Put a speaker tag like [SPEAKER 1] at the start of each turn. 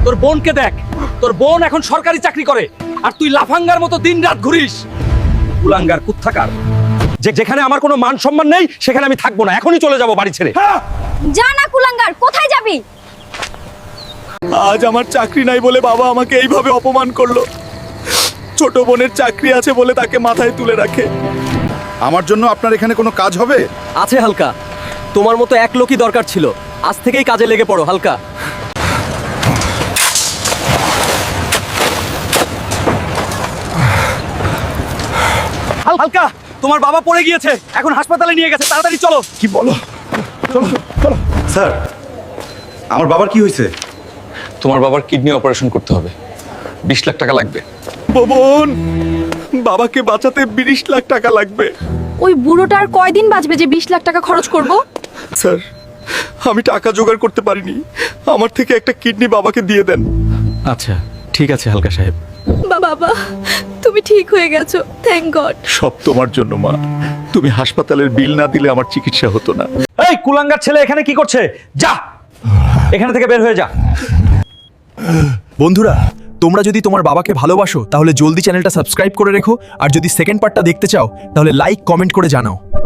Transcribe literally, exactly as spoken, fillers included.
[SPEAKER 1] তোর বোনকে দেখ, তোর বোন এখন সরকারি চাকরি করে আর তুই লাফাঙ্গার মতো দিনরাত ঘুরিস। কুলাঙ্গার কুত্থাকার, যে যেখানে আমার কোনো মান সম্মান নেই সেখানে আমি থাকবো না, এখনই চলে যাব বাড়ি ছেড়ে।
[SPEAKER 2] যা না কুলাঙ্গার, কোথায় যাবি?
[SPEAKER 3] আজ আমার চাকরি নাই বলে বাবা আমাকে এইভাবে অপমান করলো। ছোট বোনের চাকরি আছে বলে তাকে মাথায় তুলে রাখে।
[SPEAKER 4] আমার জন্য আপনার এখানে কোনো কাজ হবে?
[SPEAKER 1] আছে হালকা, তোমার মতো এক লোকই দরকার ছিল। আজ থেকেই কাজে লেগে পড়ো হালকা। হালকা, তোমার বাবা পড়ে গিয়েছে, এখন হাসপাতালে নিয়ে গেছে, তাড়াতাড়ি চলো।
[SPEAKER 4] কি বলো? চলো চলো। স্যার, আমার বাবার কি হয়েছে?
[SPEAKER 5] তোমার বাবার কিডনি অপারেশন করতে হবে, বিশ লাখ টাকা লাগবে।
[SPEAKER 3] বোন, বাবাকে বাঁচাতে বিশ লাখ টাকা লাগবে।
[SPEAKER 2] ওই বুড়োটার কয়দিন বাঁচবে যে বিশ লাখ টাকা খরচ করব?
[SPEAKER 3] স্যার, আমি টাকা জোগাড় করতে পারিনি, আমার থেকে একটা কিডনি বাবাকে দিয়ে দেন।
[SPEAKER 1] আচ্ছা ঠিক আছে হালকা সাহেব।
[SPEAKER 2] বাবা, তুমি ঠিক হয়ে গেছো, থ্যাংক গড।
[SPEAKER 3] সব তোমার জন্য মা, তুমি হাসপাতালের বিল না দিলে আমার চিকিৎসা হতো না।
[SPEAKER 1] এই কুলাঙ্গার ছেলে এখানে কি করছে? যা এখানে থেকে বের হয়ে যা।
[SPEAKER 6] বন্ধুরা, তোমরা যদি তোমার বাবাকে ভালোবাসো তাহলে জলদি চ্যানেলটা সাবস্ক্রাইব করে রেখো, আর যদি সেকেন্ড পার্টটা দেখতে চাও তাহলে লাইক কমেন্ট করে জানাও।